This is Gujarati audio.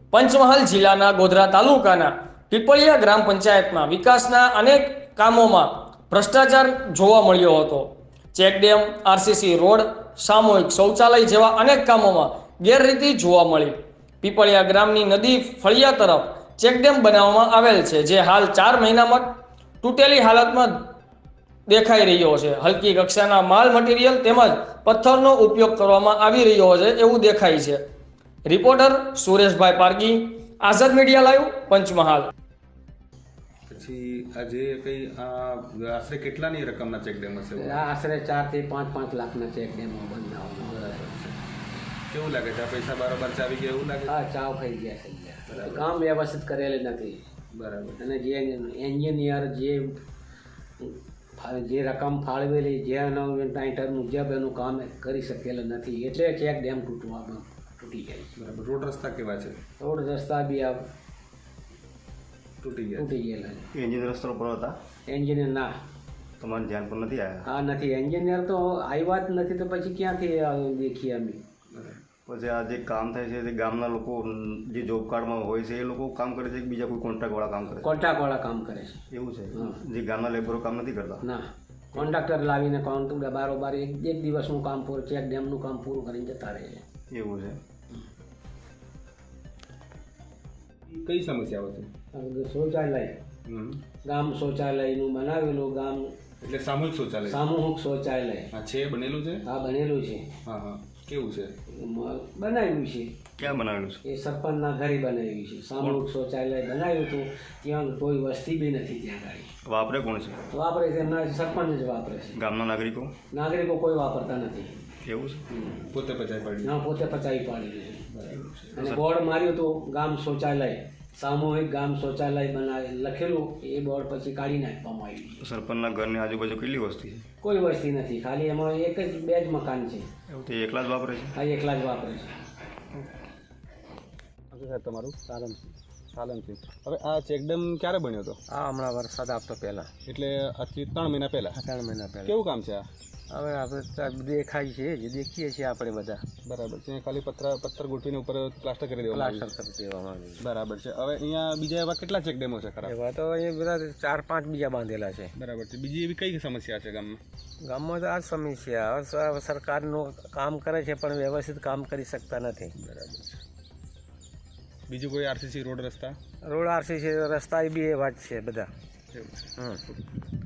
પંચમહાલ જિલ્લાના ગોધરા તાલુકાના પીપળિયા ગ્રામ પંચાયતમાં વિકાસના અનેક કામોમાં ભ્રષ્ટાચાર જોવા મળ્યો હતો. ચેકડેમ, આરસીસી રોડ, સામૂહિક શૌચાલય જેવા અનેક કામોમાં ગેરરીતિ જોવા મળી. પીપળિયા ગ્રામની નદી ફળિયા તરફ ચેકડેમ બનાવવામાં આવેલ છે, જે હાલ 4 મહિનામાં તૂટેલી હાલતમાં દેખાઈ રહ્યો છે. હલકી કક્ષાના માલ મટીરિયલ તેમજ પથ્થરનો ઉપયોગ કરવામાં આવી રહ્યો છે એવું દેખાય છે. Reporter Sureshbhai Pargi, Azad media live, Panchmahal. પછી આજે કઈ આશરે કેટલાની રકમના ચેક ડેમ હશે? આશરે 4 થી 5 લાખના ચેક ડેમો બનાવવાનો. કેવું લાગે છે? આ પૈસા બારોબાર ચાવી ગયા એવું લાગે? હા, ચાવ ખાઈ ગયા છે. કામ વ્યવસ્થિત કરેલ નથી. બરાબર. અને જે એન્જિનિયર જે રકમ ફાળવેલી જેનો ટાઈટર મુજબ એનું કામ કરી શકેલ નથી, એટલે ચેક ડેમ તૂટી જાય. બરાબર. રોડ રસ્તા કેવા છે? રોડ રસ્તા બી તૂટી ગયેલા છે. એન્જિનિયર રસ્તો પર હતા? એન્જિનિયર ના, તમારે ધ્યાન પર નથી આવ્યા? હા, નથી. એન્જિનિયર તો આવ્યા જ નથી, તો પછી ક્યાંથી દેખીએ અમે? પછી આ જે કામ થાય છે તે ગામના લોકો જે જોબ કાર્ડમાં હોય છે એ લોકો કામ કરે છે કે બીજા કોઈ કોન્ટ્રાક્ટવાળા કામ કરે છે? કોન્ટ્રાક્ટવાળા કામ કરે છે. એવું છે? જે ગામના લેબરો કામ નથી કરતા? ના, કોન્ટ્રાક્ટર લાવીને બારોબાર એક દિવસનું કામ પૂરું, ચેક ડેમનું કામ પૂરું કરીને જતા રહે છે. એવું છે? કઈ સમસ્યાઓ છે? શૌચાલય, ગામ શૌચાલયનું બનાવેલું ગામ, એટલે સામૂહિક શૌચાલય. સામૂહિક શૌચાલય. હા, છે, બનેલું છે. હા, બનેલું છે. હા હા, કેવું છે? બનાવ્યું છે. ક્યાં બનાવેલું છે? એ સરપંચના ઘરે બનાવ્યું છે. સામૂહિક શૌચાલય બનાવ્યું હતું. ત્યાં કોઈ વસ્તી બી નથી. ત્યાં ગાડી વાપરે કોણ છે? વાપરે છે એમના સરપંચ જ વાપરે છે. ગામના નાગરિકો? નાગરિકો કોઈ વાપરતા નથી. એવું છે? પોતે પચાવી પાડી? ના, પોતે પચાવી પાડી છે. અને બોર્ડ માર્યું હતું ગામ શૌચાલય, સામૂહિક ગામ શૌચાલય બનાવે લખેલું, એ બોર્ડ પછી કાઢી નાખવામાં આવ્યું. સરપંચના ઘરની આજુબાજુ કેટલી વસ્તી છે? કોઈ વસ્તી નથી. ખાલી એમાં એક જ 2 જ મકાન છે. એવું તે એકલા જ વાપરે છે? હા, એકલા જ વાપરે છે. સાહેબ, તમારું? સાલમસિંહ. હવે આ ચેકડેમ ક્યારે બન્યો હતો? આ હમણાં વરસાદ આવતો પહેલાં, એટલે આજથી 3 મહિના પહેલા. 3 મહિના પહેલાં. કેવું કામ છે આ? હવે આપણે દેખાય છે, જે દેખીએ છીએ આપણે બધા. બરાબર છે. ખાલી પથ્થર ગોઠવીને ઉપર પ્લાસ્ટર કરી દેવામાં આવ્યું. પ્લાસ્ટર કરી દેવામાં આવ્યું. બરાબર છે. હવે અહીંયા બીજા એવા કેટલા ચેક ડેમો છે ખરા? એવા તો અહીંયા બધા 4-5 બીજા બાંધેલા છે. બરાબર છે. બીજી એવી કઈ સમસ્યા છે ગામમાં? ગામમાં તો આ જ સમસ્યા. હવે સરકારનું કામ કરે છે પણ વ્યવસ્થિત કામ કરી શકતા નથી. બરાબર છે. બીજું કોઈ આરસીસી રોડ રસ્તા? રોડ આરસીસી રસ્તા એ બી એવા જ છે બધા. એવું છે.